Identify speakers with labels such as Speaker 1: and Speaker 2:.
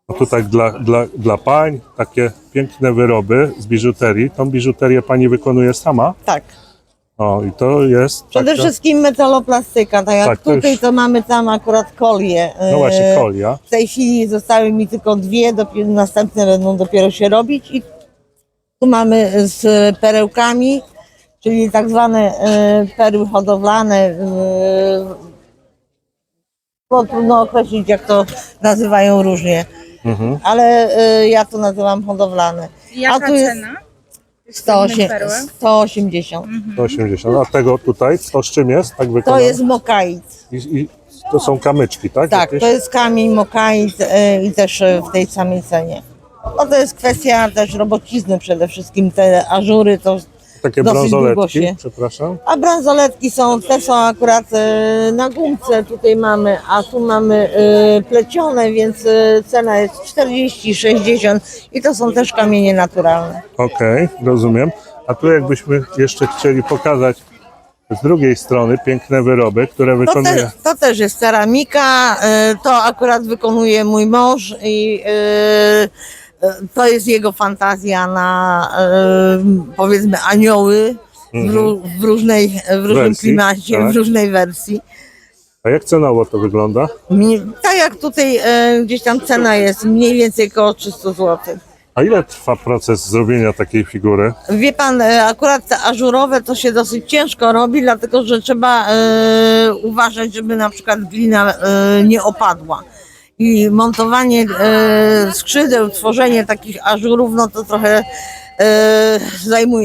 Speaker 1: No tutaj dla pań takie piękne wyroby z biżuterii. Tą biżuterię pani wykonuje sama?
Speaker 2: Tak.
Speaker 1: O, i to jest
Speaker 2: Przede
Speaker 1: taka,
Speaker 2: wszystkim metaloplastyka, tak jak
Speaker 1: Tak, to
Speaker 2: tutaj
Speaker 1: już-
Speaker 2: to mamy tam akurat kolie.
Speaker 1: no właśnie kolia.
Speaker 2: W tej chwili zostały mi tylko dwie, następne będą dopiero się robić i tu mamy z perełkami, czyli tak zwane perły hodowlane. Bo trudno określić, jak to nazywają różnie, ale ja to nazywam hodowlane.
Speaker 3: Jaka
Speaker 2: tu jest
Speaker 3: cena?
Speaker 2: 180.
Speaker 1: 180. A tego tutaj, to z czym jest? Tak
Speaker 2: To
Speaker 1: wykonane?
Speaker 2: jest mokait.
Speaker 1: I to są kamyczki, tak?
Speaker 2: Tak,
Speaker 1: Jakieś?
Speaker 2: to jest kamień mokait i też w tej samej cenie. No to jest kwestia też robocizny przede wszystkim. Te ażury to
Speaker 1: Takie
Speaker 2: dosyć długo
Speaker 1: bransoletki,
Speaker 2: się.
Speaker 1: przepraszam.
Speaker 2: A bransoletki te są akurat na gumce tutaj mamy, a tu mamy plecione, więc cena jest 40, 60 i to są też kamienie naturalne.
Speaker 1: Okej, rozumiem. A tu jakbyśmy jeszcze chcieli pokazać z drugiej strony piękne wyroby, które wykonuje...
Speaker 2: To też jest ceramika, to akurat wykonuje mój mąż i to jest jego fantazja na powiedzmy anioły w różnym
Speaker 1: Wersji,
Speaker 2: klimacie,
Speaker 1: tak.
Speaker 2: w różnej wersji.
Speaker 1: A jak cenowo to wygląda?
Speaker 2: Tak jak tutaj gdzieś tam cena jest mniej więcej około 300 zł.
Speaker 1: A ile trwa proces zrobienia takiej figury?
Speaker 2: Wie pan, akurat te ażurowe to się dosyć ciężko robi, dlatego że trzeba uważać, żeby na przykład glina nie opadła. I montowanie skrzydeł, tworzenie takich ażurów, no to trochę zajmuje.